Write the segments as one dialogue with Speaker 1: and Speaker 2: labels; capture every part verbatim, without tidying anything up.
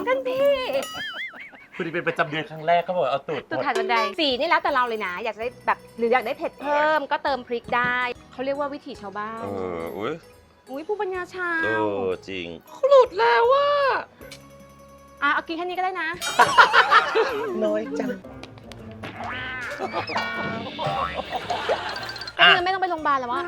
Speaker 1: ท่านพี่
Speaker 2: คุณนี่เป็นประจำเดือนครั้งแรกก็บอกเอาตูด
Speaker 1: ตูดถ่ายบันไดสีนี่แล้วแต่เราเลยนะอยากได้แบบหรืออยากได้เผ็ดเพิ่มก็เติมพริกได้เขาเรียกว่าวิถีชาวบ้าน
Speaker 2: เอออุ้ย
Speaker 1: อุ้ยผู้ปัญญาชา
Speaker 2: เอ
Speaker 1: ว
Speaker 2: อจริงหลุดแล้วว่า
Speaker 1: อ่ะเอากินแค่นี้ก็ได้นะ
Speaker 2: น้อยจัง
Speaker 1: ก็คือไม่ต้องไปโรงพยาบาลแล้ววะ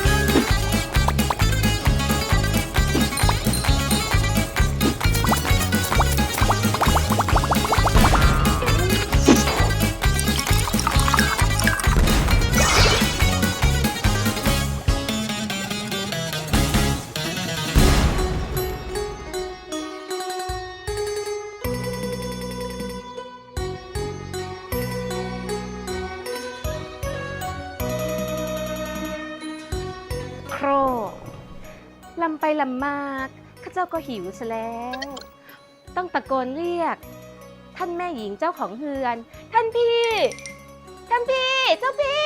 Speaker 1: โครลำไปลำมาข้าเจ้าก็หิวซะแล้ว ต้องตะโกนเรียก ท่านแม่หญิงเจ้าของเฮือน ท่านพี่ ท่านพี่ เจ้าพี่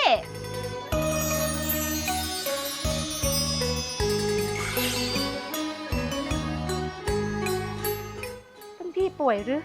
Speaker 1: ท่านพี่ป่วยหรือ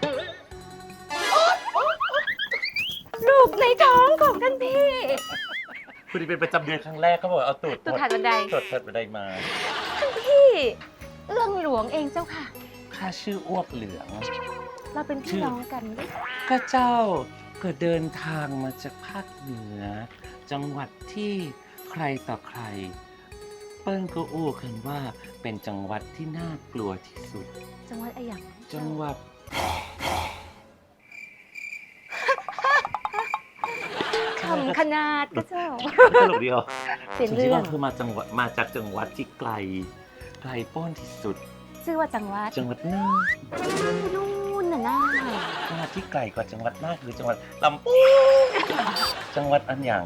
Speaker 1: ลูกในท้องของท่านพี่
Speaker 2: คุณนี่เป็นประจำเดือนครั้งแรกก็บอกเอาตูด
Speaker 1: ตูดถ่ายบันได
Speaker 2: ตูดถ่ายบันไดมา
Speaker 1: ท่านพี่เอื้องหลวงเองเจ้าค่ะ
Speaker 2: ข้าชื่ออ้วกเหลือง
Speaker 1: เราเป็นพี่น้องกันด้วย
Speaker 2: ก็เจ้าก็เดินทางมาจากภาคเหนือ จังหวัดที่ใครต่อใคร เปิ้ลก็อู้กันว่าเป็นจังหวัดที่น่ากลัวที่สุด
Speaker 1: จังหวัดอะไรอย่าง
Speaker 2: จังหวัด
Speaker 1: คำขนาดก็เจ้า
Speaker 2: ตลกเดียว
Speaker 1: เป็น
Speaker 2: จริ
Speaker 1: เรื่
Speaker 2: งๆ
Speaker 1: อง
Speaker 2: ก็คือมาจังหวัดมาจากจังหวัดที่ไกลไกลโพ้นที่สุด
Speaker 1: ชื่อว่าจังหวัด
Speaker 2: จังหวัดน่าน
Speaker 1: นู่นน่ะน่า
Speaker 2: จังหวัดที่ไกลกว่าจังหวัดน่านคือจังหวัดลำพูนจังหวัดอันหยัง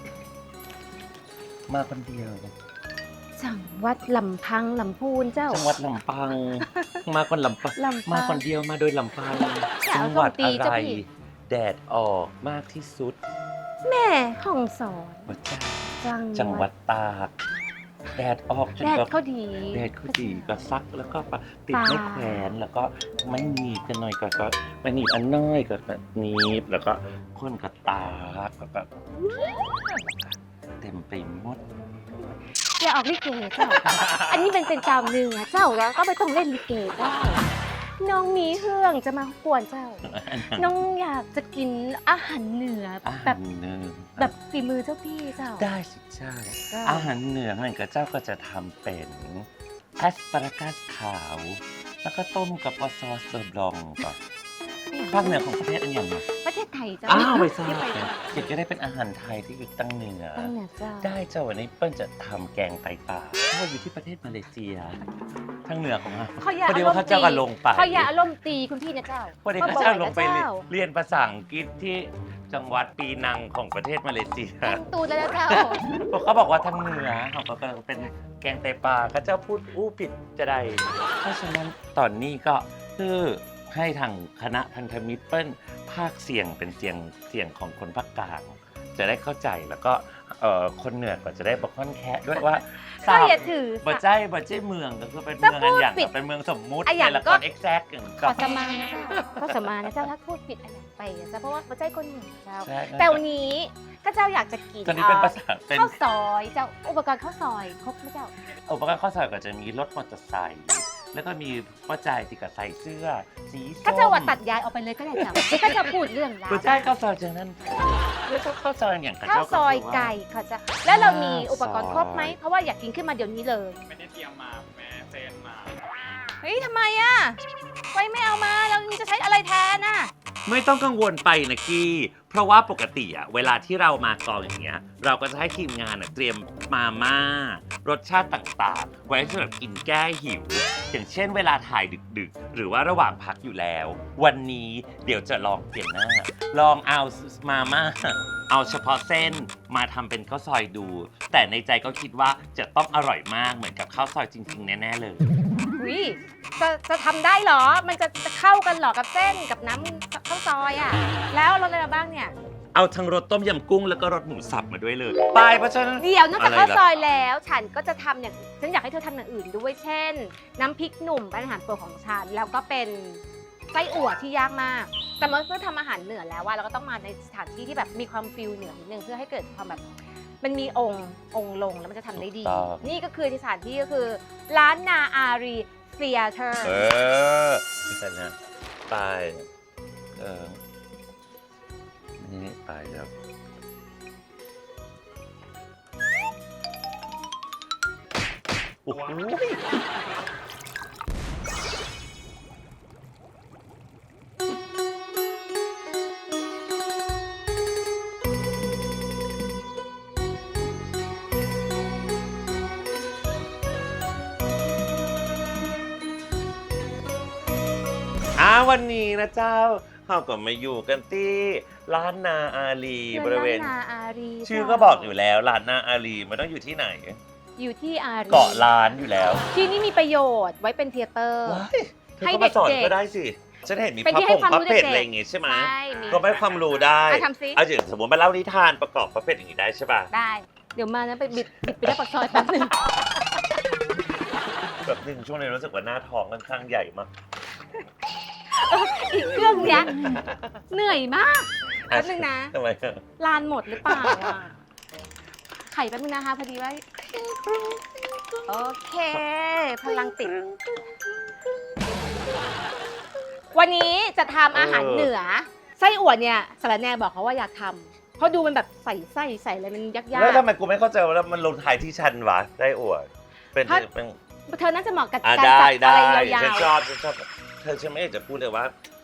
Speaker 2: มาคนเดียว
Speaker 1: จังหวัดลำพังลำพูนเจ้า
Speaker 2: จังหวัดลำปัง มาคนลำปัง
Speaker 1: ลำพัง
Speaker 2: มาคนเดียวมาโดยลำพัง
Speaker 1: อย่า
Speaker 2: จั
Speaker 1: เอา
Speaker 2: งหวัด
Speaker 1: คำตี
Speaker 2: อะ
Speaker 1: เจ้า
Speaker 2: ไร
Speaker 1: พี่
Speaker 2: แดดออกมากที่สุด
Speaker 1: แม่ห้องสอน
Speaker 2: หัวใจ
Speaker 1: จัง
Speaker 2: จังหวัดตากแดดออกจน
Speaker 1: แดด
Speaker 2: แบบ
Speaker 1: เขาดี
Speaker 2: แดดเขาดีก็ซักแล้วก็ติดไม่แขวนแล้วก็ไม่หนีบกันหน่อยก็ก็ไม่หนีบอันน้อยก็แบบหนีบแล้วก็คนก็ตากแล้วก็เต็มไปหมด
Speaker 1: อย่าออกลิเกเจ้า อันนี้เป็นเป็นเจ้าเนื้อเจ้าแล้วก็ไม่ต้องเล่นลิเกเจ้า น้องมีเฮืองจะมากวนเจ้า น้องอยากจะกินอาหารเหนือ
Speaker 2: อา
Speaker 1: แบ
Speaker 2: หาร
Speaker 1: บ
Speaker 2: เหนือ
Speaker 1: แบบฝีมือเจ้าพี่เจ้า
Speaker 2: ได้สิเจ้า
Speaker 1: เจ้า
Speaker 2: อาหารเหนือนั่นก็เจ้าก็จะทำเป็นแอสปารากัสขาว แล้วก็ต้มกับออซอสเซอร์บลองก่อนภาคเหนือของประเทศอันอย่างเนาะ
Speaker 1: ประเทศไทยเจ้า
Speaker 2: อ้าวไม่ทราบ
Speaker 1: ที่ไป
Speaker 2: เลยเด็กจะได้เป็นอาหารไทยที่อยู่ตั้งเหนือ
Speaker 1: ตั้งเหนือเจ้า
Speaker 2: ได้เจ้าวันนี้เปิ้ลจะทำแกงไตปลาเพราะว่าอยู่ที่ประเทศมาเลเซียทางเหนือของเรา
Speaker 1: เขาอย่า
Speaker 2: พอดี
Speaker 1: อาร
Speaker 2: ว่าม ข้า
Speaker 1: ณ์
Speaker 2: เจ้า
Speaker 1: ตี
Speaker 2: ก็ลงไป
Speaker 1: เขาอย่าอารมณ์ตีคุณพี่นะเจ้า
Speaker 2: พอดีข้าเจ้าลงไปเรียนภาษาอังกฤษที่จังหวัดปีนังของประเทศมาเลเซีย
Speaker 1: แต่งตูนแล้วนะเจ้า
Speaker 2: เพราะเขาบอกว่าทางเหนือเขาก็เป็นแกงไตปลาข้าเจ้าพูดอู้ผิดจะได้ เพราะฉะนั้นตอนนี้ก็คือให้ทางคณะพันธมิตรเปิ้ลภาคเสียงเป็นเสียงเสียงของคนภาคกลางจะได้เข้าใจแล้วก็เอ่อคนเหนือก็จะได้บอกค่อนแคะด้วยว่า
Speaker 1: ก็อย่าถือ
Speaker 2: บ่
Speaker 1: สา
Speaker 2: ใจบ่ใจเมืองก็คือเป็นเมืองอันอย่าง
Speaker 1: ถ้าพูดผิด
Speaker 2: เป็นเมืองสมมุติ
Speaker 1: อ่ะอย่าง
Speaker 2: ในละค
Speaker 1: ก็
Speaker 2: รเอ็กแซกอย่าง
Speaker 1: ข
Speaker 2: ก็
Speaker 1: อสมานะเจ้าก็สมานะเจ้าถ้าพูดผิดอะไรไปอะเจ้าเพราะว่าประเทศคนเหนือเจ้า
Speaker 2: ใช่
Speaker 1: แต่วันนี้ก็เจ้าอยากจะกิน
Speaker 2: ตอนนี้เป็นภาษาเป็น
Speaker 1: ข้าวซอยเจ้าอุปกรณ์ข้าวซอยครบไหมเจ้า
Speaker 2: อุปกรณ์ข้อสอบก็จะมีรถมอเตอร์ไซค์แล้วก็มีป้าจ่ายที่กับใส่เสื้อสีส้ม
Speaker 1: ก็เจ้าว่าตัดยายออกไปเลยก็ได้เจ้าก็จะพูดเรื่องราว
Speaker 2: ป้าจ่ายข้าวซอยจากนั้นแล้วก็ข้าวซอยอย่างกับ
Speaker 1: ข้าว
Speaker 2: เจ้า
Speaker 1: ซอย
Speaker 2: ว่า
Speaker 1: ไก่เขาจะแล้วเรามีอุปกรณ์ครบไหมเพราะว่าอยากกินขึ้นมาเดี๋ยวนี้เลย
Speaker 3: ไม่ได้เตรียมมาแม่เฟนมา
Speaker 1: เฮ้ยทำไมอ่ะไว้ไม่เอามาเราจะใช้อะไรแทนน่ะ
Speaker 2: ไม่ต้องกังวลไปนะกี้เพราะว่าปกติอะเวลาที่เรามากองอย่างเงี้ยเราก็จะให้ทีมงานอะเตรียมมาม่ารสชาติต่างๆ ไว้สำหรับกินแก้หิว อย่างเช่นเวลาถ่ายดึกๆ หรือว่าระหว่างพักอยู่แล้ว วันนี้เดี๋ยวจะลองเปลี่ยนหน้า ลองเอามาม่าเอาเฉพาะเส้นมาทำเป็นข้าวซอยดู แต่ในใจก็คิดว่าจะต้องอร่อยมากเหมือนกับข้าวซอยจริงๆ แน่ๆเลย
Speaker 1: อุ้ยจะจะทำได้เหรอ มันจะจะเข้ากันเหรอกับเส้นกับน้ำข้าวซอยอ่ะ แล้วรสอะไรมาบ้างเนี่ย
Speaker 2: เอาทั้งรสต้มยำกุ้งแล้วก็รสหมูสับมาด้วยเลยไปเพราะฉะนั้น
Speaker 1: เดี๋ยวนอกจาก
Speaker 2: อะไร
Speaker 1: ข้าว
Speaker 2: ล่ะ
Speaker 1: ซอยแล้ว ฉันก็จะทำอย่างฉันอยากให้เธอทำอย่างอื่นด้วยเช่น น้ำพริกหนุ่มเป็นอาหารโปรดของฉัน แล้วก็เป็นส้อั่วที่ยากมาก แต่เมื่อทำอาหารเหนือแล้วว่าเราก็ต้องมาในสถานที่ที่แบบมีความฟิลเหนือนิดนึงเพื่อให้เกิดความแบบมันมีองค์องค์ลงแล้วมันจะทำได้ดี นี่ก็คือที่สถานที่ก็คือร้านนาอารีเซียเตอร์
Speaker 2: เออนี่กันนะไปเออนี่ไปแล้วโอ้โห อ่าวันนี้นะเจ้าเราก็มาอยู่กันที่ร้านนาอารีบริเวณ
Speaker 1: ร้านนาอารี
Speaker 2: ชื่อก็บอกอยู่แล้วร้านนาอารีมันต้องอยู่ที่ไหน
Speaker 1: อยู่ที่อารี
Speaker 2: เกาะล้านอยู่แล้ว
Speaker 1: ที่นี่มีประโยชน์ไว้เป็นเทเตอร์
Speaker 2: ว้ายเธอ
Speaker 1: ให้
Speaker 2: ก็มาสอน
Speaker 1: เด็กๆ
Speaker 2: ก็ได้สิฉันเห็นมี
Speaker 1: เป็น
Speaker 2: พระ
Speaker 1: ที่
Speaker 2: ผ
Speaker 1: ให้
Speaker 2: ง
Speaker 1: ความ
Speaker 2: พระ
Speaker 1: รู้
Speaker 2: เป็ด
Speaker 1: เด็กๆ
Speaker 2: อะไรอย่างงี้ใช่ไหม
Speaker 1: ใช่มี
Speaker 2: ก็ไม่ความรู้ได้
Speaker 1: อ่ะทำสิ
Speaker 2: เอาอย่างสมมติมาเล่านิทานประกอบพระเป็ดอย่างนี้ได้ใช่ป่ะ
Speaker 1: ได้ เดี๋ยวมานะไปบิดบิดไปได้ปากซอยแป๊บนึง
Speaker 2: แบบหนึ่งช่วงนี้รู้สึกว่าหน้าท้องค่อนข้างใหญ่มาก
Speaker 1: อีกเครื่องเนี้ยเหนื่อยมาก แป๊บนึงนะ
Speaker 2: ทำไมอะ
Speaker 1: ลานหมดหรือเปล่าอ่ะไข่แป๊บนึงนะคะพอดีว่าโอเค พลังติด วันนี้จะทำอาหารเหนือ ไส้อั่วเนี่ยสารแนบอกเขาว่าอยากทำเพราะดูมันแบบใส่ไส้ใส่อะไรมันยาก
Speaker 2: แล้วทำไมกูไม่เข้าใจว่ามันลงท้ายที่ชันวะได้อวดเป็นเป็น
Speaker 1: ๆเธอน่าจะเหมาะกับ
Speaker 2: อ่ะ
Speaker 1: การ
Speaker 2: ได้
Speaker 1: จัด
Speaker 2: ได้
Speaker 1: อะไรยา
Speaker 2: ฉัน
Speaker 1: ว
Speaker 2: ชอบฉันชอบเธอฉันไม่อยากจะพูดเลยว่า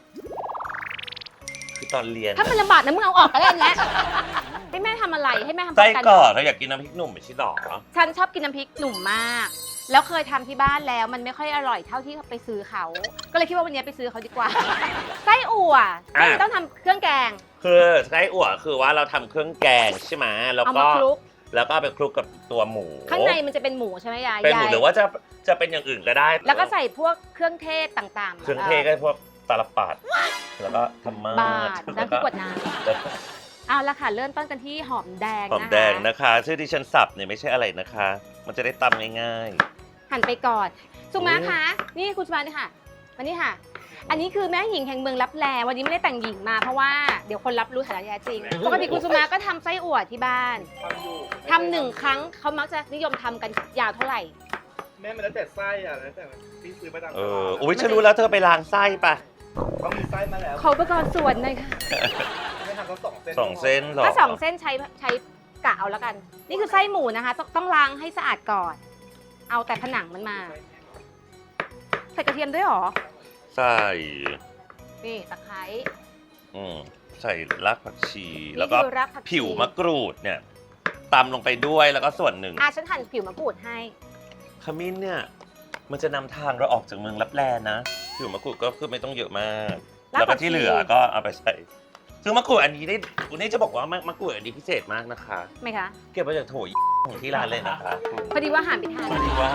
Speaker 2: คือตอนเรียน
Speaker 1: ๆถ้ามันลำบากนะมึงเอาออกก็ได้แล้วให้แม่ทำอะไรให้แม่ทำ
Speaker 2: ไส้
Speaker 1: ประ
Speaker 2: กรอกเธออยากกินน้ำพริกหนุ่มไม่ใช่หรอ
Speaker 1: ฉันชอบกินน้ำพริกหนุ่มมาก แล้วเคยทำที่บ้านแล้วมันไม่ค่อยอร่อยเท่าที่ไปซื้อเขา ก็เลยคิดว่าวันนี้ไปซื้อเขาดีกว่า ไส้อั่วก็เลยต้องทำเครื่องแกง
Speaker 2: คือไส้อั่วคือว่าเราทำเครื่องแกงใช่ไหมแล้ว
Speaker 1: เอา
Speaker 2: ก็
Speaker 1: มาคลุก
Speaker 2: แล้วก็เอาไปคลุกกับตัวหมู
Speaker 1: ข้างในมันจะเป็นหมูใช่ไหมยาย
Speaker 2: เป็นหมู
Speaker 1: ยาย
Speaker 2: หรือว่าจะจะเป็นอย่างอื่นก็ได้
Speaker 1: แล้วก็ใส่พวกเครื่องเทศต่างๆ
Speaker 2: เครื่องเทศก็พวกตาลปัดแล้วก็ธรรมา
Speaker 1: บา
Speaker 2: ส
Speaker 1: ดน้ำพริกกวดน้ำเอาละค่ะเริ่มต้นกันที่หอมแดง
Speaker 2: หอม
Speaker 1: นะคะ
Speaker 2: แดงนะคะ ชื่อที่ฉันสับเนี่ยไม่ใช่อะไรนะคะ มันจะได้ตำง่าย
Speaker 1: หั่นไปก่อนสุมา
Speaker 2: โอ้ย
Speaker 1: คะนี่คุณสุมานี่ค่ะมานี่ค่ะ อันนี้คือแม่หญิงแห่งเมืองลับแลวันนี้ไม่ได้แต่งหญิงมาเพราะว่าเดี๋ยวคนรับรู้ฐานะแท้จริงปกติคุณสุมาก็ทำไส้อั่วที่บ้าน
Speaker 3: ทำอยู่
Speaker 1: ทำหนึ่งครั้งเขามักจะนิยมทำกันยาวเท่าไหร่
Speaker 3: แม่มันแล้วแต่ไส้อ่ะแล้วแต่ที่ซื้อมาตาม
Speaker 2: ๆ
Speaker 3: ต
Speaker 2: เอ
Speaker 3: ลา
Speaker 2: อ
Speaker 3: ด
Speaker 2: อุ้ยฉันรู้แล้วเธอไปล้างไส้ปะ
Speaker 3: ต้องมีไส้มาแล้ว
Speaker 1: ขออุปกรณ์ส่วนหน่อยค่ะ
Speaker 3: ไม่ทำต้องสองเส้น
Speaker 2: สองเส้นหรอ
Speaker 1: ถ้าสองเส้นใช้ใช้กะเอาแล้วกัน นี่คือไส้หมูนะคะ ต้องต้องล้างให้สะอาดก่อน เอาแต่ผนังมันมา ใส่กระเทียมด้วยเหรอ
Speaker 2: ใส่
Speaker 1: นี่ตะไคร้
Speaker 2: อืมใส่รากผักชี
Speaker 1: นี่
Speaker 2: แล้วก็
Speaker 1: คือรากผักชี
Speaker 2: ผิวมะกรูดเนี่ยตำลงไปด้วยแล้วก็ส่วนหนึ่ง
Speaker 1: อ่ะฉันหั่นผิวมะกรูดให้
Speaker 2: ขมิ้นเนี่ยมันจะนำทางเราออกจากเมืองลับแลนะผิวมะกรูดก็คือไม่ต้องเยอะมาก
Speaker 1: ราก
Speaker 2: แล้ว
Speaker 1: ผั
Speaker 2: ก็
Speaker 1: กชี
Speaker 2: ที่เหลือก็เอาไปใส่ซึ่งมะกรูดอันนี้ได้คุณนี่จะบอกว่ามะมะกรูดอันนี้พิเศษมากนะคะ
Speaker 1: ไหมคะ
Speaker 2: เก็บมาจากโถยของที่ร้านเลยนะคะ
Speaker 1: พอดีว่าหั่นไปทาน
Speaker 2: พอดีว่า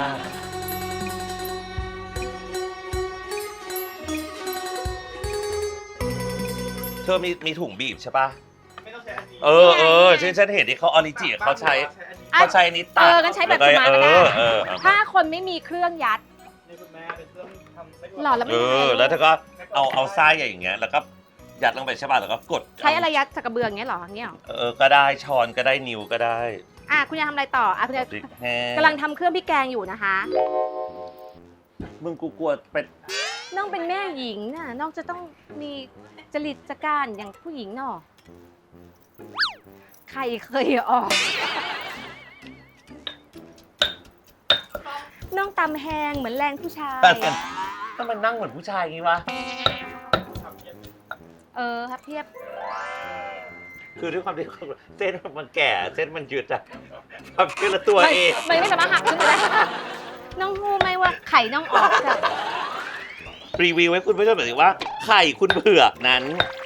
Speaker 2: เธอมีมีถุงบีบใช่ปะ
Speaker 3: ไม่ต้องใช้อันนี้
Speaker 2: เออเออฉันฉันเห็นที่เขาออริจิเขาใช้
Speaker 3: อันนี้
Speaker 2: เขาใช้นิดตัด
Speaker 1: เอองั้นใช้แบบ
Speaker 2: ล้ว
Speaker 1: สุมาก็ได้
Speaker 2: เออเออเออ
Speaker 1: ถ้าคนไม่มีเครื่องยัด
Speaker 3: นี่คุณแม่เป็นเครื่องทำไส้กรอก
Speaker 1: หล่อแล้วไม่
Speaker 2: เอ
Speaker 1: ได้
Speaker 2: อแล้วเธอก็เอาเอาไส้อย่างเงี้ยแล้วก็ยัดลงไปใช่ป่ะแล้วก็กด
Speaker 1: ใช้อะไรยัดสักกระเบืออย่างเงี้ยเหรออย่างเงี้ยเหรอ
Speaker 2: เออก็ได้ช้อนก็ได้นิ้วก็ได้
Speaker 1: อ่ะคุณยายทำอะไรต่ออ่ะคุณยาย
Speaker 2: พริกแห้ง
Speaker 1: กำลังทำเครื่องพริกแกงอยู่นะคะ
Speaker 2: มึงกูกลัวเป็น
Speaker 1: น้องเป็นแม่หญิงน่ะน้องจะต้องมีจริตจักร้านอย่างผู้หญิงเนาะใครเคยออก น้องตำแหงเหมือนแรงผู้ชาย
Speaker 2: ถ้ามันนั่งเหมือนผู้ชายอย่างงี้วะ
Speaker 1: เออครับเทียบ
Speaker 2: คือด้วยความที่เส้นมันแก่เส้นมันยืดอะความคิดละตัวเอง
Speaker 1: ไม่ไม่สามารถหักขึ้นมาได้ น้องรู้ไหมว่าไข่น้องออกจ้ะ
Speaker 2: รีวิวให้คุณผู้ชมหน่อยสิว่าไข่คุณเผือกนั้น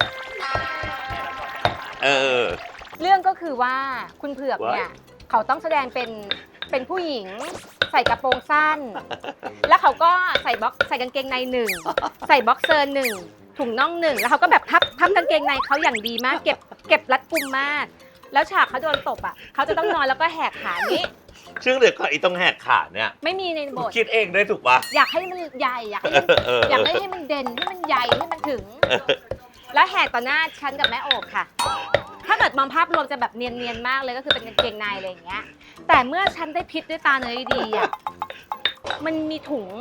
Speaker 2: เออ
Speaker 1: เรื่องก็คือว่าคุณเผือกเนี่ย เขาต้องแสดงเป็นเป็นผู้หญิงใส่กระโปรงสั้น แล้วเขาก็ใส่บ็อกใส่กางเกงในหนึ่งใส่บ็อกเซอร์หนึ่งถุงน่องหนึ่งแล้วเขาก็แบบพับพับกางเกงในเขาอย่างดีมาก เก็บเก็บรัดกุมมาก แล้วฉากเขาโดนตบอ่ะเขาจะต้องนอนแล้วก็แหกขานี้
Speaker 2: ซึ่งเดี๋ยวก่อนไอ้ต้องแหกขาเนี่ย
Speaker 1: ไม่มีในบท
Speaker 2: คิดเองด้วยถูกปะ
Speaker 1: อยากให้มันใหญ่อยากให้มัน
Speaker 2: เออ
Speaker 1: อยากให้ให้มันเด่นให้มันใหญ่ให้มันถึง แล้วแหกต่อหน้าฉันกับแม่โอบค่ะ ถ้าเกิดมองภาพรวมจะแบบเนียนๆมากเลยก็คือเป็นกางเกงในอะไรอย่างเงี้ย แต่เมื่อฉันได้พิษด้วยตาเนยดีอ่ะ มันมีถุง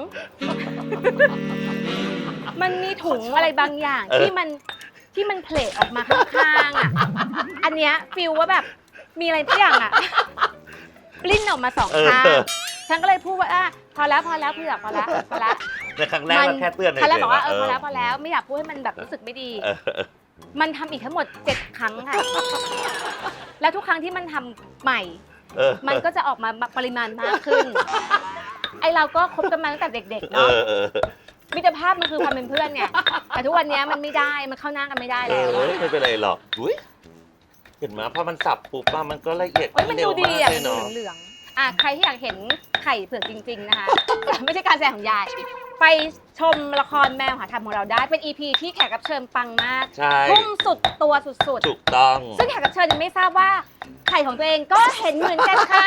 Speaker 1: มันมีถุงอะไรบางอย่างที่มันที่มันเพลทออกมาข้างๆอ่ะ อันเนี้ยฟิลว่าแบบมีอะไรทุกอย่างอ่ะ ปลิ้นออกมาสองข้าง ฉันก็เลยพูดว่าอ่ะพอแล้วพอแล้วเพื่อพอแล้วพอแล้ว
Speaker 2: ในครั้งแรกเราแค่เตือน
Speaker 1: ครั้งแรกบอกว่าเออ
Speaker 2: ฉยๆ
Speaker 1: พอแล้วพอแล้วไม่อยากพูดให้มันแบบรู้สึกไม่ดี
Speaker 2: เออเออ
Speaker 1: มันทำอีกทั้งหมดเจ็ดครั้งค่ะ แล้วทุกครั้งที่มันทำใหม่
Speaker 2: เออ
Speaker 1: มันก็จะออกมาปริมาณมากขึ้น ไอเราก็คบกันมาตั้งแต่เด็กๆ
Speaker 2: เอ
Speaker 1: เนาะ
Speaker 2: อเออ
Speaker 1: มิตรภาพมันคือความเป็นเพื่อนไงแต่ทุกวันนี้มันไม่ได้มันเข้าหน้ากันไม่ได้
Speaker 2: เอ
Speaker 1: แล้ว
Speaker 2: อไม่เป็นไรหรอกอุ๊ยเห็นไหมพอมันสับปุ๊บอะมันก็ละเอียด
Speaker 1: เอ้ยมัน
Speaker 2: เร็
Speaker 1: ดู
Speaker 2: ว
Speaker 1: ดี
Speaker 2: มาก
Speaker 1: อ่ะ
Speaker 2: เล
Speaker 1: มั
Speaker 2: ย
Speaker 1: นดู
Speaker 2: เนาะ
Speaker 1: เหลืองๆอ่ะใครที่อยากเห็นไข่เผือกจริง ๆ นะคะ ไม่ใช่การแสดงของยาย ไปชมละครแมวหาธรรมของเราได้เป็น อี พี ที่แขกรับเชิญปังมาก
Speaker 2: ใช่
Speaker 1: พุ่งสุดตัวสุด
Speaker 2: ถูกต้อง
Speaker 1: ๆ ซึ่งแขกรับเชิญยังไม่ทราบว่าไข่ของตัวเองก็เห็นเหมือนกันค่ะ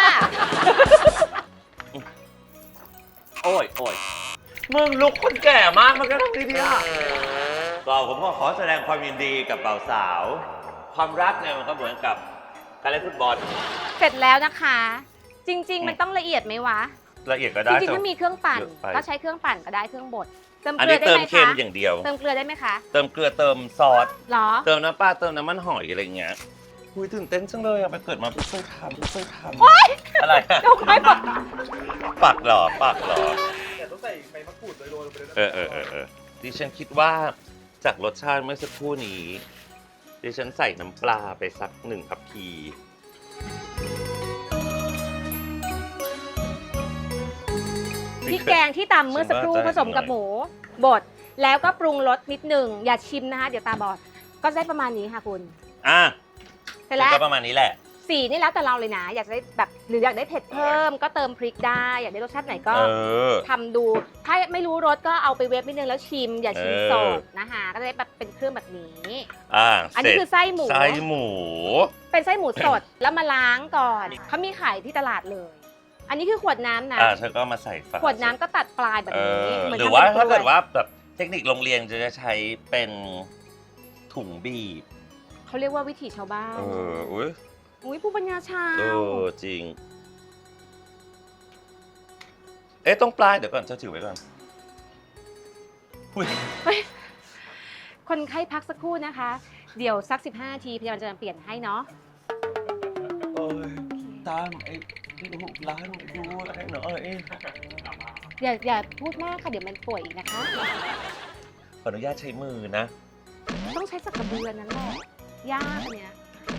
Speaker 2: โอ้ยโอ้ยมึงลุกคนแก่มากมันก็ต้องดีๆอ่ะก็ผมก็ขอแสดงความยินดีกับบ่าวสาว ความรักเนี่ยมันก็เหมือนกับการเล่นฟุตบอล
Speaker 1: เสร็จแล้วนะคะ จริง ๆ มันต้องละเอียดไหมวะ
Speaker 2: ละเอียดก็
Speaker 1: จ
Speaker 2: ได้
Speaker 1: ริงๆ ถ้ามีเครื่องปั่น
Speaker 2: เยอะไป
Speaker 1: ก็ใช้เครื่องปั่นก็ได้เครื่องบดเติม
Speaker 2: อัน
Speaker 1: เกลื
Speaker 2: นี้
Speaker 1: อได้
Speaker 2: เติม
Speaker 1: ไหม
Speaker 2: เค็ม
Speaker 1: คะ
Speaker 2: อย่างเดียว
Speaker 1: เติมเกลือได้ไหมคะ
Speaker 2: เติมเกลือเติมซอส
Speaker 1: หรอ
Speaker 2: เติมน้ำปลาเติมน้ำมันหอยอะไรเงี้ยคุยตื่นเต้นจังเลยอะไปเกิดมาเพิ่งเคยทำเพิ่งเคยทำอะไรอะ
Speaker 1: เดี๋ยวค่อยบอก
Speaker 2: ปักเหรอปักเหรอ
Speaker 3: แต่ต้องใส่ใบมะกรูดโรยๆลงไปด้วยนะ
Speaker 2: เออเออเออเออดิฉันคิดว่าจากรสชาติเมื่อสักครู่นี้ดิฉันใส่น้ำปลาไปสักหนึ่งทัพพี
Speaker 1: พริกแกงที่ตำเมื่อสักครู่ผสมกับหมูบดแล้วก็ปรุงรสนิดหนึ่งอย่าชิมนะคะเดี๋ยวตาบอดก็ได้ประมาณนี้ค่ะคุณ
Speaker 2: อ่ะ
Speaker 1: เสร็จแล้ว
Speaker 2: ก็ประมาณนี้แหละ
Speaker 1: สีนี่แล้วแต่เราเลยนะ อยากได้แบบหรืออยากได้เผ็ดเพิ่มก็เติมพริกได้อยากได้รสชาติไหนก็
Speaker 2: เออ
Speaker 1: ทำดู ถ้าไม่รู้รสก็เอาไปเวฟนิดนึงแล้วชิม อย่าชิม
Speaker 2: เออ
Speaker 1: สดนะคะก็จะได้แบบเป็นเครื่องแบบนี้
Speaker 2: อ่ะ
Speaker 1: อัน
Speaker 2: เสร็
Speaker 1: นี้
Speaker 2: จ
Speaker 1: คือไส้หมู
Speaker 2: ไส้หมู
Speaker 1: เป็นไส้หมูสด แล้วมาล้างก่อนเขามีขายที่ตลาดเลย อันนี้คือขวดน้ำนะ
Speaker 2: อ่ะเธอก็มาใส่ฝา
Speaker 1: ขวดน้ำก็ตัดปลายแบบ
Speaker 2: เอ
Speaker 1: นี้
Speaker 2: อ
Speaker 1: เหมือน
Speaker 2: หรือ
Speaker 1: ทำ
Speaker 2: ว่า
Speaker 1: เป็น
Speaker 2: ถ้าเกิด
Speaker 1: กล้ย
Speaker 2: ว่าแบบเทคนิคโรงเรียนจะใช้เป็นถุงบีบ
Speaker 1: เขาเรียกว่าวิถีชาวบ้าน
Speaker 2: เอออุ้ย
Speaker 1: อุ้ยผู้ปัญญาชา
Speaker 2: เอ
Speaker 1: ว
Speaker 2: อจริง เอ๊ะต้องปลายเดี๋ยวก่อนจะถือไว้ก่อนอุ้ย
Speaker 1: คนไข้พักสักครู่นะคะ เดี๋ยวสักสิบห้านาทีพยาบาลจะเปลี่ยนให้เนาะ
Speaker 2: โอ้ยตามไอ้ลูกร้านดูอะไรหน่อย
Speaker 1: อย่าอย่าพูดมากค่ะเดี๋ยวมันป่วยอีกนะคะ
Speaker 2: ขออนุญาตใช้มือนะ
Speaker 1: ต้องใช้สักกระเบือนั่นแหละยากอันเนี้ย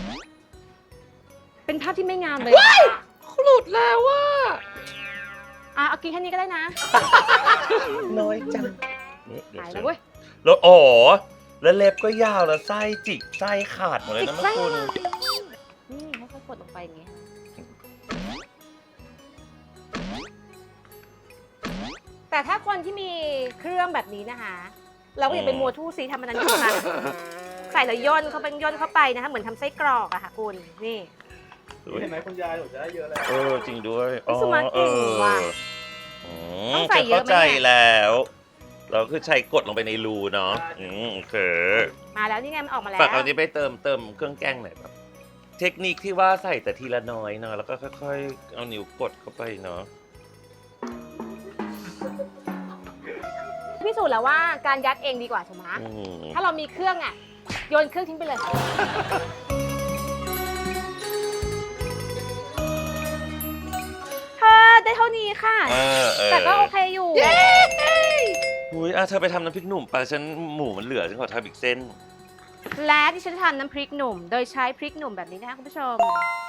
Speaker 1: เป็นภาพที่ไม่งามเลย
Speaker 2: หลุดแล้วว่า
Speaker 1: อ่ะเอากินแค่นี้ก็ได้นะ
Speaker 2: น้อยจังนี่เดี๋ยว
Speaker 1: หาย
Speaker 2: เจ
Speaker 1: แล้ว
Speaker 2: อ
Speaker 1: เว้ย
Speaker 2: แล้วอ๋อแล้วเล็บก็ยาวแล้วไส้จิกไส้ขาดหมดเลย
Speaker 1: จิ
Speaker 2: นะ
Speaker 1: ก
Speaker 2: แม่
Speaker 1: ไส้
Speaker 2: คุณ
Speaker 1: นี่ค่อยๆกดลงไปอย่างงี้แต่ถ้าคนที่มีเครื่องแบบนี้นะคะ เราก็อย่าไปมัวทู่ซีทำมันนั้นขึ้นมาใส่แล้วย่นเข้าไปย่นเข้าไปนะคะเหมือนทำไส้กรอกอะค่ะคุณนี่
Speaker 3: เห็นไหมคุณยายหนูจะได้เยอะแล้ว
Speaker 2: เออจริงด้วย
Speaker 1: พี่สุมาเก่งว่ะ
Speaker 2: อื
Speaker 1: ต้
Speaker 2: ม
Speaker 1: องใส่เยอะไหมเนี่ย
Speaker 2: เข้าใจแล้ว เราคือใช้กดลงไปในรูเนาะอืมโอเค
Speaker 1: มาแล้วนี่ไงมันออกมาแล้ว
Speaker 2: ฝากเอานี้ไปเติมเติมเครื่องแกงหน่อยแบบเทคนิคที่ว่าใส่แต่ทีละน้อยเนาะแล้วก็ค่อยๆ เอานิ้วกดเข้าไปเนาะ
Speaker 1: พิสูจน์แล้วว่าการยัดเองดีกว่าถูกไหม
Speaker 2: อืม
Speaker 1: ถ้าเรามีเครื่องอ่ะโยนเครื่องทิ้งไปเลย เธอได้เท่านี้ค่ะ
Speaker 2: เออเออ
Speaker 1: แต่ก็โอเคอยู่
Speaker 2: อุ้ยอ่ะเธอไปทำน้ำพริกหนุ่มไปฉันหมูมันเหลือฉันขอทำอีกเส้น
Speaker 1: และที่ฉันจะทำน้ำพริกหนุ่ม โดยใช้พริกหนุ่มแบบนี้นะคะคุณผู้ชม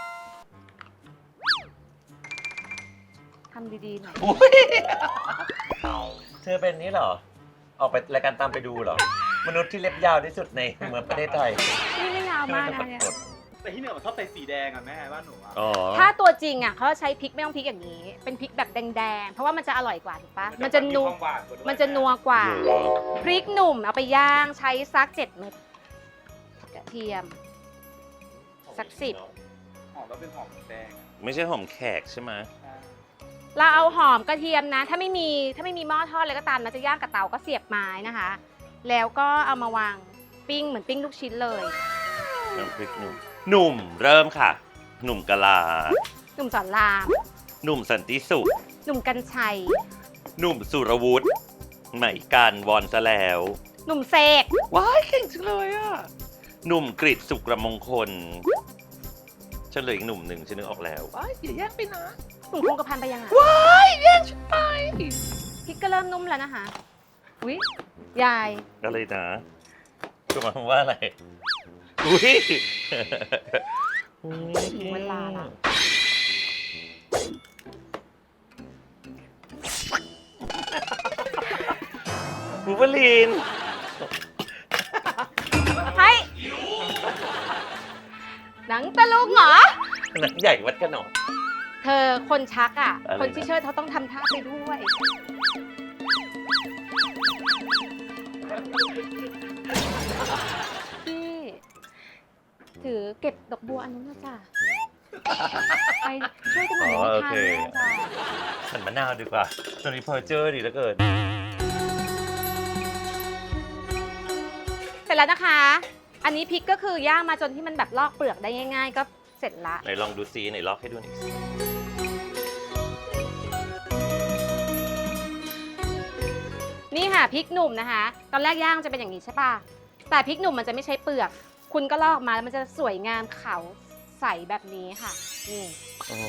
Speaker 1: ทำดีๆหน่อย
Speaker 2: อุ้ยเธอเป็นนี่เหรอ ออกไปรายการตามไปดูเหรอ มนุษย์ที่เล็บยาวที่สุดในเมืองประเทศไทย
Speaker 1: นี่ไม่ยาวมากนะเนี่ย
Speaker 3: แต่ที่เหนือมันชอบใส่สีแดงอ่ะแม่บ้านหนูอ่ะ
Speaker 2: อ๋อ
Speaker 1: ถ้าตัวจริงอ่ะเขาจะใช้พริกไม่ต้องพริกอย่างนี้ เป็นพริกแบบแดงๆ เพราะว่ามันจะอร่อยกว่าถูกปะมันจะนัว
Speaker 3: ความหวานกว่าด้วย
Speaker 1: มันจะนัวกว่า
Speaker 2: เหรอ
Speaker 1: พริกหนุ่มเอาไปย่างใช้สักเจ็ดเม็ดกระเทียม สักสิบ
Speaker 3: หอมแล้วเป็นหอมแดงอะ
Speaker 2: ไม่ใช่หอมแขกใช่ไหม
Speaker 3: อ่า
Speaker 1: เราเอาหอมกระเทียมนะ ถ้าไม่มีถ้าไม่มีหม้อทอดเลยก็ตามนะจะย่างกับเตาก็เสียบไม้นะคะ แล้วก็เอามาวางปิ้งเหมือนปิ้งลูกชิ้นเลย
Speaker 2: น้ำพริกหนุ่มหนุ่มเริ่มค่ะ หนุ่มกะลา
Speaker 1: หนุ่มสอนราม
Speaker 2: หนุ่มสันติสุข
Speaker 1: หนุ่มกัญชัย
Speaker 2: หนุ่มสุรวุฒิใหม่การวอนซะแล้ว
Speaker 1: หนุ่มเสก
Speaker 2: ว้ายเก่งจังเลยอ่ะ หนุ่มกริตสุกระมงคล ฉันเหลืออีกหนุ่มหนึ่งฉันนึกออกแล้ว ว้ายอย่าแย่งไปนะ
Speaker 1: หนุ่มคงกระพันไปยังอ่ะ
Speaker 2: ว้ายแย่งฉันไป
Speaker 1: พริกก็เริ่มนุ่มแล้วนะคะอุ้ยยาย
Speaker 2: อะไรนะก็หมายความว่าอะไร อุ้ย
Speaker 1: ถึงเวลาละ
Speaker 2: บูเบอลีน
Speaker 1: เฮ้ยหนังตะลุงเหรอ
Speaker 2: หนังใหญ่วัดขนม
Speaker 1: เธอคนชักอ่ะ
Speaker 2: อะไรนะ
Speaker 1: คนที่เชิดเขาต้องทำท่าไปด้วยพี่ถือเก็บดอกบัวอันนู้นนะจ้ะไปช่วยกันหน่อย
Speaker 2: อ๋อ
Speaker 1: ไม่
Speaker 2: โอ
Speaker 1: ทัน
Speaker 2: เค
Speaker 1: เลยจ้ะ
Speaker 2: ฉันมะนาวดีกว่าตอนนี้เพอเจอร์ดีเหลือเกิน
Speaker 1: เสร็จแล้วนะคะ อันนี้พริกก็คือย่างมาจนที่มันแบบลอกเปลือกได้ง่าย ๆ ก็เสร็จละ
Speaker 2: ไหนลองดูซีไหนลอกให้ดูหน่อยสิ
Speaker 1: นี่ค่ะพริกหนุ่มนะคะ ตอนแรกย่างจะเป็นอย่างนี้ใช่ป่ะ แต่พริกหนุ่มมันจะไม่ใช้เปลือก คุณก็ลอกมาแล้วมันจะสวยงามขาวใสแบบนี้ค่ะ นี่
Speaker 2: อ๋อ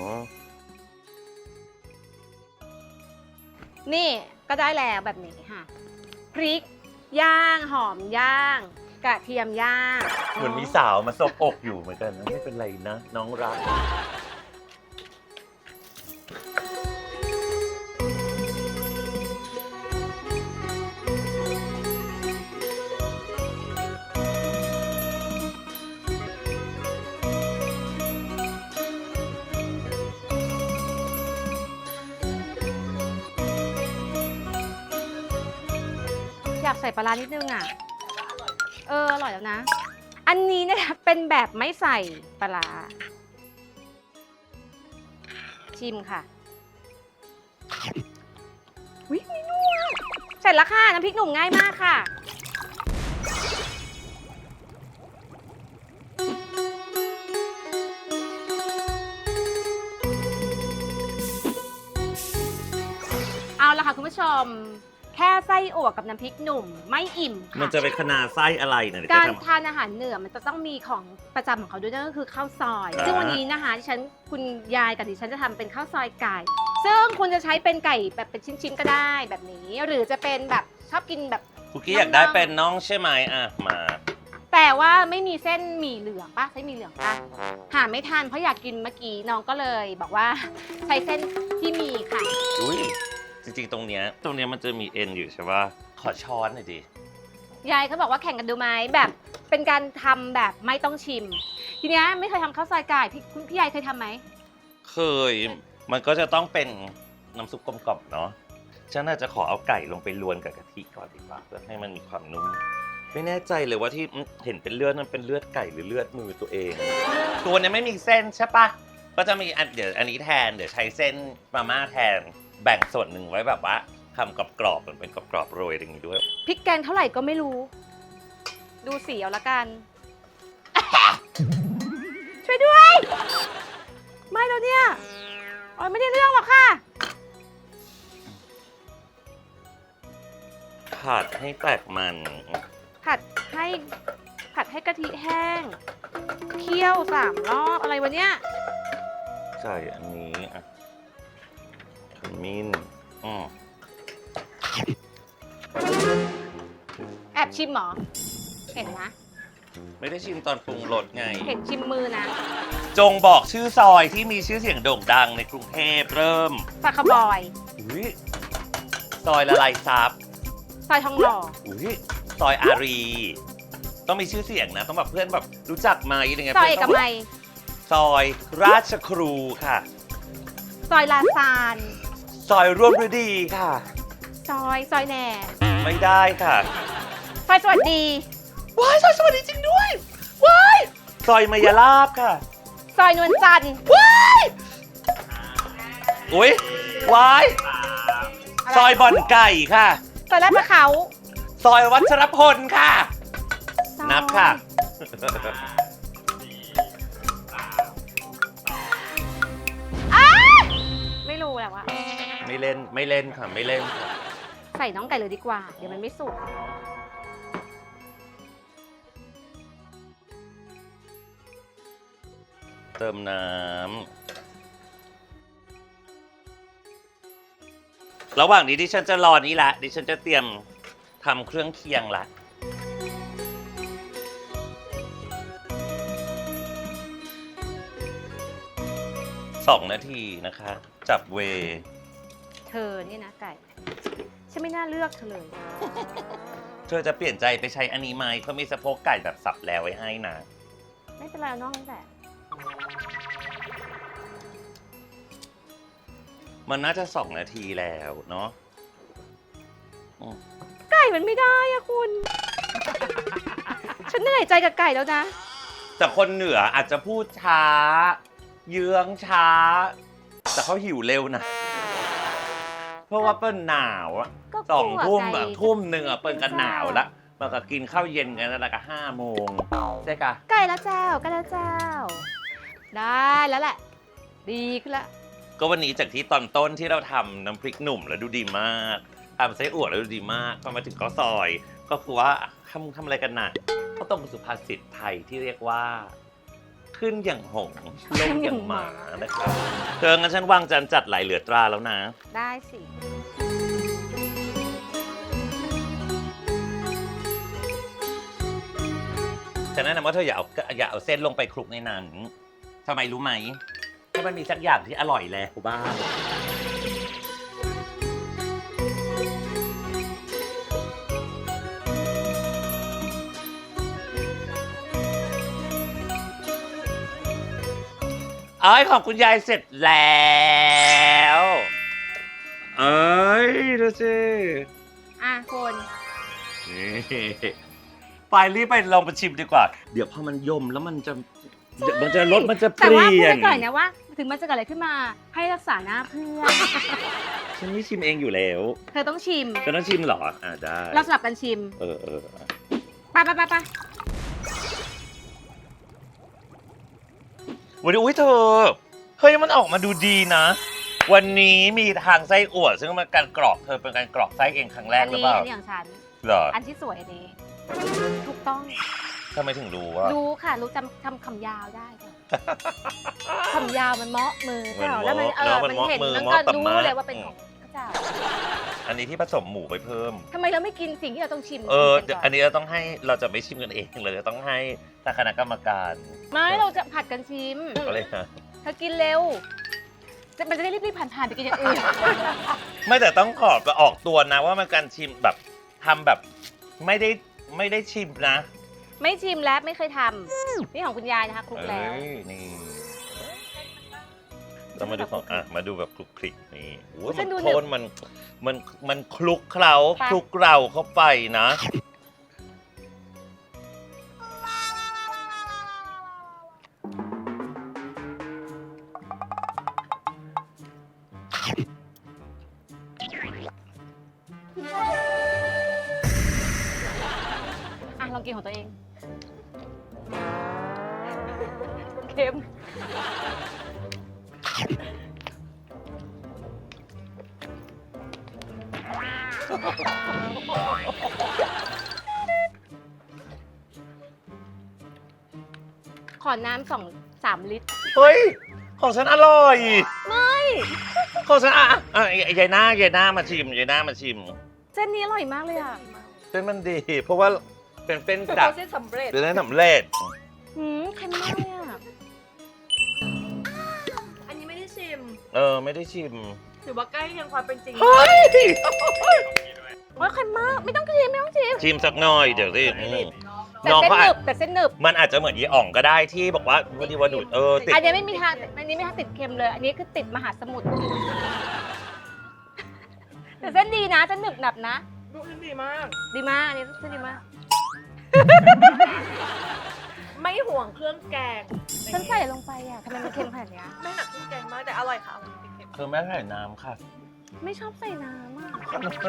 Speaker 1: นี่ก็ได้แล้วแบบนี้ค่ะ พริกย่างหอมย่าง กระเทียมย่าง
Speaker 2: เหมือนมีสาวมาซบอกอยู่เหมือนกันนะไม่เป็นไรนะ น้องรัก
Speaker 1: อยากใส่ปลาร้านิดนึงอ่ะ เออ อร่อยแล้วนะ อันนี้เนี่ยเป็นแบบไม่ใส่ปลาร้าชิมค่ะวิไม่นัวเสร็จแล้วค่ะ น้ำพริกหนุ่มง่ายมากค่ะ เอาละค่ะคุณผู้ชม แค่ไส้อั่วกับน้ำพริกหนุ่มไม่อิ่มค่ะ
Speaker 2: มันจะเป็นคณาไส้อะไรเนี่ยเดี๋ยว
Speaker 1: การ
Speaker 2: จะทำ
Speaker 1: ทานอาหารเหนือมันจะต้องมีของประจำของเขาด้วยนั่นก็คือข้าวซอย
Speaker 2: อ่า
Speaker 1: ซึ่งวันนี้นะคะที่ฉันคุณยายกับดิฉันจะทำเป็นข้าวซอยไก่ ซึ่งคุณจะใช้เป็นไก่แบบเป็นชิ้นๆก็ได้แบบนี้ หรือจะเป็นแบบชอบกินแบบ
Speaker 2: คุกกี้อยากได้เป็นน้องใช่ไหมอ่ะ มา
Speaker 1: แต่ว่าไม่มีเส้นหมี่เหลืองป่ะใช้หมี่เหลืองป่ะหาไม่ทันเพราะอยากกินเมื่อกี้น้องก็เลยบอกว่าใช้เส้นที่มีค่ะ
Speaker 2: อุ้ยจริงๆ ตรงเนี้ยตรงเนี้ยมันจะมีเอ็นอยู่ใช่ป่ะ ขอช้อนหน่อยดิ
Speaker 1: ยายเขาบอกว่าแข่งกันดูไหมแบบเป็นการทำแบบไม่ต้องชิม ทีเนี้ยไม่เคยทำข้าวซอยไก่พี่คุณพี่ยายเคยทำไหม
Speaker 2: เคย มันก็จะต้องเป็นน้ำซุปกลมกล่อมเนาะ ฉันน่าจะขอเอาไก่ลงไปลวนกับกะทิก่อนดีกว่าเพื่อให้มันมีความนุ่ม ไม่แน่ใจเลยว่าที่เห็นเป็นเลือดนั้นเป็นเลือดไก่หรือเลือดมือตัวเอง ตัวเนี้ยไม่มีเส้นใช่ปะก็จะมีอันเดี๋ยวอันนี้แทน เดี๋ยวใช้เส้นมาม่าแทน แบ่งส่วนหนึ่งไว้แบบว่าทำกรอบๆเหมือนเป็นกรอบๆโรยอย่างนี้ด้วย
Speaker 1: พริกแกงเท่าไหร่ก็ไม่รู้ ดูสีเอาละกัน ช่วยด้วย ไม่แล้วเนี่ยอ๋อไม่ได้เรื่องหรอกค่ะ
Speaker 2: ผัดให้แตกมัน
Speaker 1: ผัดให้ผัดให้กะทิแห้ง เคี่ยวสามรอบอะไรวะเนี่ย
Speaker 2: ใส่อันนี้อ่ะขมิ้นอืม
Speaker 1: แอบชิมเหรอ เห็นนะ
Speaker 2: ไม่ได้ชิมตอนปรุงรสไง
Speaker 1: เห็นชิมมือนะ
Speaker 2: จงบอกชื่อซอยที่มีชื่อเสียงโด่งดังในกรุงเทพเริ่ม
Speaker 1: ซอยคาวบอย
Speaker 2: อุ๊ยซอยละลายซับ
Speaker 1: ซอยทองหล่อ
Speaker 2: อุ๊ยซอยอารี ต้องมีชื่อเสียงนะ ต้องแบบเพื่อนแบบรู้จักไหมอะไรเงี้ย
Speaker 1: ซอยเอก
Speaker 2: พื่นต้ง
Speaker 1: มัย
Speaker 2: ซอยราชครูค่ะ
Speaker 1: ซอยลาซาน
Speaker 2: ซอยร่วมฤดีค่ะ
Speaker 1: ซอยซอยแหน่
Speaker 2: ไม่ได้ค่ะ
Speaker 1: ซอยสวัสดี
Speaker 2: ว้ายซอยสวัสดีจริงด้วยว้ายซอยมายาลาบค่ะ
Speaker 1: ซซอยนวลจันทร์
Speaker 2: อุ้ยวายซอยบ่อนไก่ค่ะ
Speaker 1: ซอยลาดประเขา
Speaker 2: ซอยวัชรพลค่ะ
Speaker 1: ซอย
Speaker 2: นับค่ะ
Speaker 1: อ้าวไม่รู้แหละว่า
Speaker 2: ไม่เล่นไม่เล่นค่ะไม่เล่นค่ะ
Speaker 1: ใส่น้องไก่เลยดีกว่า เดี๋ยวมันไม่สุก
Speaker 2: เติมน้ำระหว่างนี้ดิฉันจะรอนี้ละดิฉันจะเตรียมทำเครื่องเคียงละสองนาทีนะคะ จับเว
Speaker 1: เธอเนี่ยนะไก่ ฉันไม่น่าเลือกเธอเลย
Speaker 2: เธอจะเปลี่ยนใจไปใช้อันนี้ไหมเขามีสะโพกไก่แบบสับแล้วไว้ให้นะ
Speaker 1: ไม่เป็นไรเอาน้องนั่นแหละ
Speaker 2: มันน่าจะสองนาทีแล้วเนาะ
Speaker 1: ไก่มันไม่ได้อะคุณ ฉันเหนื่อยใจกับไก่แล้วนะ
Speaker 2: แต่คนเหนืออาจจะพูดช้า เยื้องช้า แต่เขาหิวเร็วนะ เพราะว่าเปิ้ลหนาวอะ
Speaker 1: ก็กลัว
Speaker 2: สองทุ่ม
Speaker 1: ไก่
Speaker 2: อะทุ่มหนึ่งอะเปิ้ลกันหนาวละมันก็กินข้าวเย็นกันแล้วก็ห้าโมงใช่กะ
Speaker 1: ไก่แล้วเจ้าไก่แล้วเจ้า ได้แล้วแหละ ดีขึ้นละ
Speaker 2: ก็วันนี้จากที่ตอนต้นที่เราทำน้ำพริกหนุ่มแล้วดูดีมากทำไส้อั่วแล้วดูดีมากพอมาถึงข้าวซอย ก็คือว่าทำทำอะไรกันน่ะก็ตรงกับสุภาษิตไทยที่เรียกว่า ขึ้นอย่างหงส์ลงอย่างหมานะครับเธองั้นฉันวางจานจัดไหลเหลือตราแล้วนะ
Speaker 1: ได้สิ
Speaker 2: ฉันแนะนำว่าเธออย่าเอาอย่าเอาเส้นลงไปคลุกในนั้นทำไมรู้ไหมให้มันมีสักอย่างที่อร่อยแล้วบ้างเอ้ยของคุณยายเสร็จแล้วเอ้ยดูสิ
Speaker 1: อ่ะคน
Speaker 2: นี่ไปรีบไปลองไปชิมดีกว่า เดี๋ยวพอมันยมแล้วมันจะเดี๋ยวมันจะรสมันจะเป
Speaker 1: แต่ว่าพู
Speaker 2: ลี่
Speaker 1: ด
Speaker 2: ย
Speaker 1: ไป
Speaker 2: น
Speaker 1: ก่อนนะว่า ถึงมันจะเกิดอะไรขึ้นมาให้รักษาหน้าเพื่อน
Speaker 2: ฉันไม่ชิมเองอยู่แล้ว
Speaker 1: เธอต้องชิม
Speaker 2: ฉันต้องชิมเหรอ อ่าได้
Speaker 1: เราสลับกันชิม
Speaker 2: เออเออ
Speaker 1: ไปไปไปไป
Speaker 2: วันนี้อุ้ยเธอ เฮ้ยมันออกมาดูดีนะ วันนี้มีทางไส้อั่วซึ่งมันการกรอกเธอเป็นการกรอกไส้เองครั้งแรก
Speaker 1: อัน
Speaker 2: หรือ
Speaker 1: นี้
Speaker 2: เปล่า
Speaker 1: อันนี้ของฉัน
Speaker 2: เหรอ
Speaker 1: อันที่สวยอันนี้ ถูกต้อง
Speaker 2: ทำไมถึงรู้ว่า
Speaker 1: รู้ค่ะ รู้จำทำคำยาวได้ค่ะคำยาวมันเมาะมือ
Speaker 2: มัน
Speaker 1: เจ้า
Speaker 2: เมาะ
Speaker 1: แล้วมันเออ
Speaker 2: เนอะมัน
Speaker 1: มัน
Speaker 2: เมาะ
Speaker 1: เห็น
Speaker 2: มือ
Speaker 1: มัน
Speaker 2: เมาะ
Speaker 1: ก็
Speaker 2: ตะ
Speaker 1: รู้
Speaker 2: มะ
Speaker 1: เลยว่าเป็นของพระเจ้า
Speaker 2: อันนี้ที่ผสมหมูไปเพิ่ม
Speaker 1: ทำไมเราไม่กินสิ่งที่เราต้องชิม
Speaker 2: เออ
Speaker 1: ชิมกัก่
Speaker 2: อันนี้เราต้องให้เราจะไม่ชิมกันเองเราจะต้องให้ทางคณะกรรมการ
Speaker 1: ไม่เราจะผัดกันชิม
Speaker 2: ก็เลยนะ
Speaker 1: เธอกินเร็วจะมันจะได้รีบๆผ่านๆไปกินอย่างอื่น
Speaker 2: ไม่แต่ต้องขอไปออกตัวนะว่ามันการชิมแบบทำแบบไม่ได้ไม่ได้ชิมนะ
Speaker 1: ไม่ชิมแล้วไม่เคยทำนี่ของคุณยายนะคะคลุกแล้ว
Speaker 2: เอ้ยนี่เรามาดูของอ่ะมาดูแบบคลุกคลิกนี่โอ้ย
Speaker 1: ฉั
Speaker 2: มัน
Speaker 1: นดู
Speaker 2: โคนมันมันมันคลุกเคล้า
Speaker 1: ไป
Speaker 2: คลุกเราเข้าไปนะ
Speaker 1: อ่ะลองกินของตัวเอง เค็ม ขอน้ำสองสามลิตร
Speaker 2: เฮ้ยของฉันอร่อย
Speaker 1: ไม่
Speaker 2: ของฉันอ่ะอ่ะอ่ะยายหน้ายายหน้ามาชิมยายหน้ามาชิม
Speaker 1: เส้นนี้อร่อยมากเลยอ่ะ
Speaker 2: เส้นมันดี เพราะว่าเป็นเส้นดัก
Speaker 1: เส้นสำเร็จ
Speaker 2: เป็นเส้นสำเร็จ
Speaker 1: หืมเค็มมากเลยอ่ะ
Speaker 4: อันนี้ไม่ได้ชิม
Speaker 2: เออไม่ได้ชิม
Speaker 4: ถือว่าใกล้เคียงความเป็นจริง
Speaker 2: เฮ้ย
Speaker 1: โอ้ยเค็มมาก ไม่ต้องชิมไม่ต้องชิม
Speaker 2: ชิมสักหน่อยเดี๋ยวสิอืม
Speaker 1: แต่
Speaker 2: น้อง
Speaker 1: เส้น
Speaker 2: เขา
Speaker 1: ห
Speaker 2: อา
Speaker 1: นึ
Speaker 2: จ
Speaker 1: บแต่เส้นหนึบ
Speaker 2: มันอาจจะเหมือนยีอ่องก็ได้ที่บอกว่าวันนี้วันดูดเออติด
Speaker 1: อันนี้ไม่มีทางอันนี้ไม่ทางติดเค็มเลย อันนี้คือติดมหาสมุทร แต่เส้นดีนะเส้นหนึบหนับนะ
Speaker 4: ดูดีมาก
Speaker 1: ดีมากอันนี้เส้นดีมาก
Speaker 2: ม
Speaker 4: ไม่ห่วงเครื่องแกง
Speaker 1: ฉันใส่ลงไปอ่ะทำไมมันเค็มขนาดเนี้ย
Speaker 4: ไม่หนักเครื่องแกงมากแต่อร่อยค่ะมันเป็นเค็ม
Speaker 2: คือแม่ใส่น้ำค่ะ
Speaker 1: ไม่ชอบใส่น้ำอ่ะ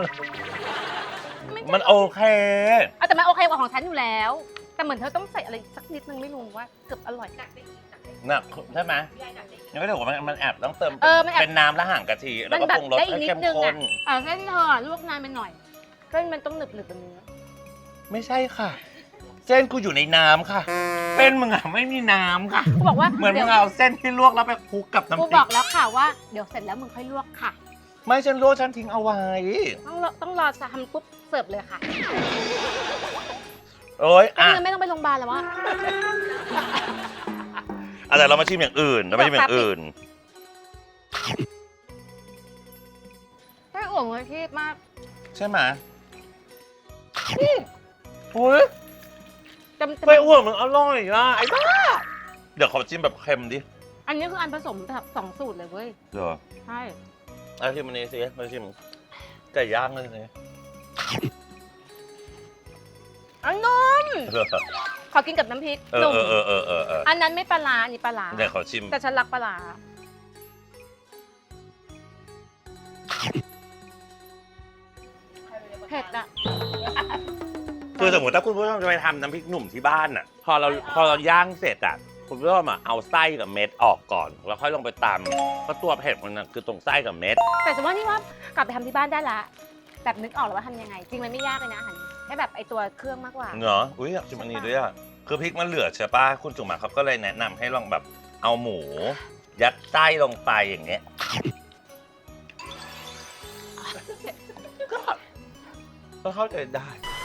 Speaker 1: ไม่ชอบ
Speaker 2: มันโอเค
Speaker 1: เอาแต่มันโอเคกว่าของฉันอยู่แล้ว แต่เหมือนเธอต้องใส่อะไรสักนิดนึงไม่รู้ว่าเกือบอร่อย
Speaker 4: หนักได้อีกหนักได้อีก
Speaker 2: หนักใช่ไหม
Speaker 4: ยายหนักได้อีก
Speaker 2: ยังไม่ได้บอกว่ามันมันแอบต้องเติม
Speaker 1: เออมันแอบ
Speaker 2: เป็นน้ำและห่างกะทิแล้วก็
Speaker 1: แบ
Speaker 2: ปรุงรส
Speaker 1: ได้อีก
Speaker 2: ให้
Speaker 1: นิ
Speaker 2: เข้
Speaker 1: ด
Speaker 2: ม
Speaker 1: นึง
Speaker 2: ข้
Speaker 1: อ่ะ
Speaker 2: น
Speaker 1: อ่าเส้นเธอลวกนานไปหน่อยเส้นมันต้องหนึบหนึบๆแบบนี้
Speaker 2: ไม่ใช่ค่ะ เส้นกูอยู่ในน้ำค่ะเป็นมึงอะไม่มีน้ำค่ะ
Speaker 1: กูบอกว่า
Speaker 2: เหมือนมึ
Speaker 1: ดี๋ยว
Speaker 2: งเอาเส้นที่ลวกแล้วไปคลุกกับน้ำ
Speaker 1: กู
Speaker 2: พริ
Speaker 1: บอก
Speaker 2: ก
Speaker 1: แล้วค่ะว่าเดี๋ยวเสร็จแล้วมึงค่อยลวกค่ะ
Speaker 2: ไม่ฉันลวกฉันทิ้งเอาไว้
Speaker 1: ต้องรอต้องรอทำปุ๊บเสิร์ฟเลยค่ะ
Speaker 2: โอ้ย
Speaker 1: ก็
Speaker 2: อ่ะ
Speaker 1: คือไม่ต้องไปโรงพยาบาลแล้ววะ
Speaker 2: อะไรเรามาชิมอย่างอื่นเรามาชิมอย่างอื่น
Speaker 1: ไม่อ่วงเลยที่มาก
Speaker 2: ใช่ไหมโอ้ย
Speaker 1: จำ
Speaker 2: ไปอ้วนมึงอร่อยอ่ะไอ้บ้าเดี๋ยวขอจิ้มแบบเค็มดิ
Speaker 1: อันนี้คืออันผสมแบบสองสูตรเลยเว้ย
Speaker 2: เดี๋ยว
Speaker 1: ใช่
Speaker 2: เอาชิมอันนี้สิมาชิมไก่ย่างเลยสิ
Speaker 1: อันนุ่ม
Speaker 2: เออ
Speaker 1: ขอกินกับน้ำพริก
Speaker 2: เอ
Speaker 1: หนุ่ม
Speaker 2: อเออเออเออเออ
Speaker 1: อันนั้นไม่ปลาร้าอันนี้ปลาร้า
Speaker 2: เดี๋ยวขอชิม
Speaker 1: แต่ฉันรักปลาร้าเผ็ดอะ
Speaker 2: คือสมมติถ้าคุณผู้ชมจะไปทำน้ำพริกหนุ่มที่บ้านอ่ะ พอเราพอเราย่างเสร็จอ่ะคุณผู้ชมอ่ะเอาไส้กับเม็ดออกก่อน แล้วค่อยลงไปตำเพราะตัวเผ็ดมันน่ะคือตรงไส้กับเม็ด
Speaker 1: แต่ฉันว่านี่ว่ากลับไปทำที่บ้านได้ละแบบนึกออกแล้วว่าทำยังไง จริงมันไม่ยากเลยนะอาหารแค่แบบไอตัวเครื่องมากกว่า
Speaker 2: เนาะอุ้ยอยากชิมอันนี้ด้วยอ่ะคือพริกมันเหลือใช่ป่ะคุณจุ๋มอะเขาก็เลยแนะนำให้ลองแบบเอาหมู ยัดไส้ลงไปอย่างเงี้ยก็เข้าใจได้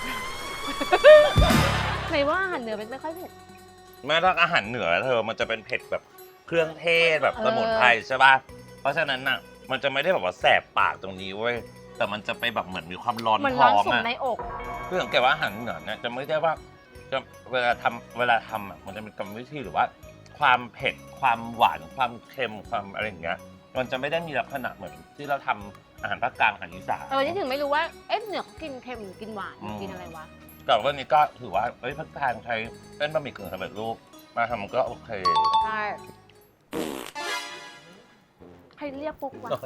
Speaker 1: ไหนว่าอาหารเหนือเป็นไม่ค่อยเผ็ด
Speaker 2: แม้ถ้าอาหารเหนือเธอมันจะเป็นเผ็ดแบบเครื่องเทศแบบ
Speaker 1: เออ
Speaker 2: สมุนไพรใช่ป่ะเพราะฉะนั้นน่ะมันจะไม่ได้แบบว่าแสบปากตรงนี้เว้ยแต่มันจะไปแบบเหมือนมีความร้อน
Speaker 1: เหมือน
Speaker 2: ท้
Speaker 1: ร้อน
Speaker 2: อง
Speaker 1: สุ่ม
Speaker 2: อ่ะ
Speaker 1: ในอก
Speaker 2: คือสังเกตว่าอาหารเหนือเนี่ยจะไม่ได้ว่าจะเวลาทำเวลาทำอ่ะมันจะมีกรรมวิธีหรือว่า ความเผ็ดความหวานความเค็มความอะไรอย่างเงี้ยมันจะไม่ได้มีลักษณะเหมือนที่เราทำอาหารภาคกลางอาหารอีสาน
Speaker 1: เออนี่ถึงไม่รู้ว่าเอ๊ะเหนือเขากินเค็มหรือกินหวาน
Speaker 2: อืม
Speaker 1: กินอะไรวะ
Speaker 2: แต่วันนี้ก็ถือว่าเอ้ยภาคกลางใช้เป็นบะหมี่กึ่งสำเร็จรูปมาทำมันก็โอเค
Speaker 1: ใช่ใครเรียกปุ๊กวะ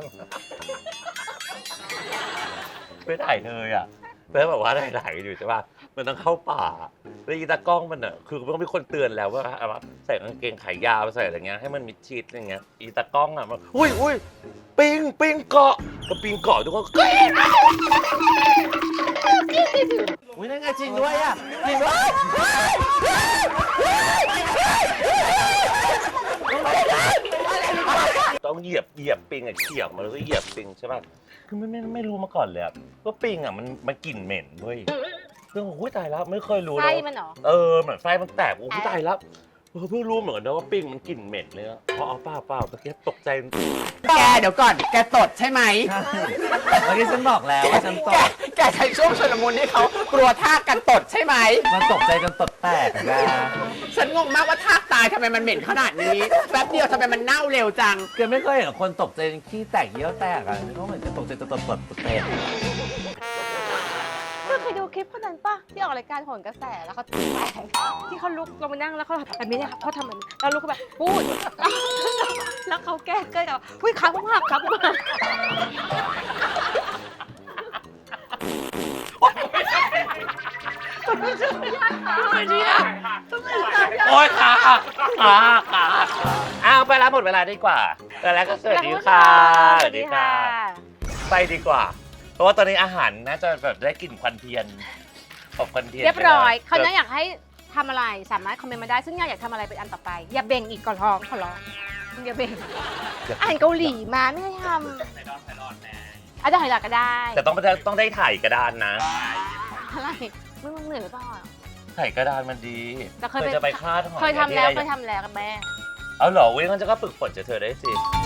Speaker 2: ไม่ถ่ายเลยอ่ะแล้วแบบว่าถ่ายๆอยู่ใช่ป่ะมันต้องเข้าป่าแล้วอีตากล้องมันอ่ะคือต้องมีคนเตือนแล้วว่าเอาว่าใส่กางเกงขายาวใส่อะไรเงี้ยให้มันมิดชิดอะไรเงี้ยอีตากล้องอ่ะมันอุ้ยอุ้ยปิงปิงเกาะก็ปิงเกาะทุกคนก็อุ้ยนั่นไงจริงด้วยอ่ะจริงด้วยต้องเหยียบเหยียบปิงอ่ะเขี่ยมาแล้วก็เหยียบปิงใช่ป่ะคือไม่ไม่ไม่รู้มาก่อนเลยอะว่าปิงอ่ะมันมันกลิ่นเหม็นเว้ยเรื่องโอ้ยตายแล้วไม่เคยรู้
Speaker 1: ไส้
Speaker 2: เลย
Speaker 1: มันเหรอ
Speaker 2: เออเหมือนไฟมันแตกโอ้ยตายแล้วเออเพิ่งรู้เหมือนกันนะว่าปิงมันกลิ่นเหม็นเลยอะเพราะเอาเปล่าเปล่าตะเกียบตกใจ
Speaker 5: แกเดี๋ยวก่อน แกตดใช่ไหม
Speaker 6: เมื่อกี้ฉันบอกแล้วว่าฉันต
Speaker 5: แก
Speaker 6: ก
Speaker 5: แกใช้ช่วงชลมุนให้เขากลัวท่ากันตดใช่ไหม
Speaker 6: มันตกใจจนตดแตกอะ
Speaker 5: ฉันงงมากว่าท่าตายทำไมมันเหม็นขนาดนี้ แป๊บเดียวทำไมมันเน่าเร็วจัง
Speaker 6: แกไม่เคยเห็นคนตกใจจนขี้แตกเยี่ยวแตกอ่ะเขาเหมือนจะตกใจจนตดตดตดแตก
Speaker 1: เธอเคยดูคลิปคนนั้นป่ะที่ออกรายการโหนกระแสแล้วเขาแตกที่เขาลุกลงมานั่งแล้วเขาแบบนี้เนี่ยเขาทำแบบนี้แล้วลุกเขาแบบพูด แล้วเขาแก้เกิดกับอุ้ยขาผมหักครับผมหัก
Speaker 2: โอ๊ยขาขาขาอ้าวไปแล้วหมดเวลาดีกว่าแต่แล้วก็สวัสดีค่ะสวัสดีค่ะ ไปดีกว่า เพราะว่าตอนนี้อาหารน่าจะแบบได้กลิ่นควันเทียนอบควันเทียน
Speaker 1: เรียบร้อย
Speaker 2: ไป
Speaker 1: เขา
Speaker 2: แล้ว
Speaker 1: น่าอยากให้ทำอะไรสามารถคอมเมนต์มาได้ซึ่งอยากอยากทำอะไรเป็นอันต่อไป อย่าเบ่งอีกก่อนร้องขอร้องอย่าเบ่งอาหารเกาหลีมาไม่ให้ทำอาจจะหอยหลักก็ได้
Speaker 2: แต่ต้องต้องได้ถ่ายกระดานนะ
Speaker 1: อะไรไม่มึงเหนื่อยหรือเปล่า
Speaker 2: ถ่ายกระดานมันดี
Speaker 1: แต่เคยไป
Speaker 2: จะไปคาดหอย
Speaker 1: เคยทำแล้ว
Speaker 2: ที่
Speaker 1: เค
Speaker 2: ไร
Speaker 1: ยทำแล้วกับแม่
Speaker 2: เอาเหรอเว้ยงั้นจะก็ฝึกฝนจากเธอได้สิ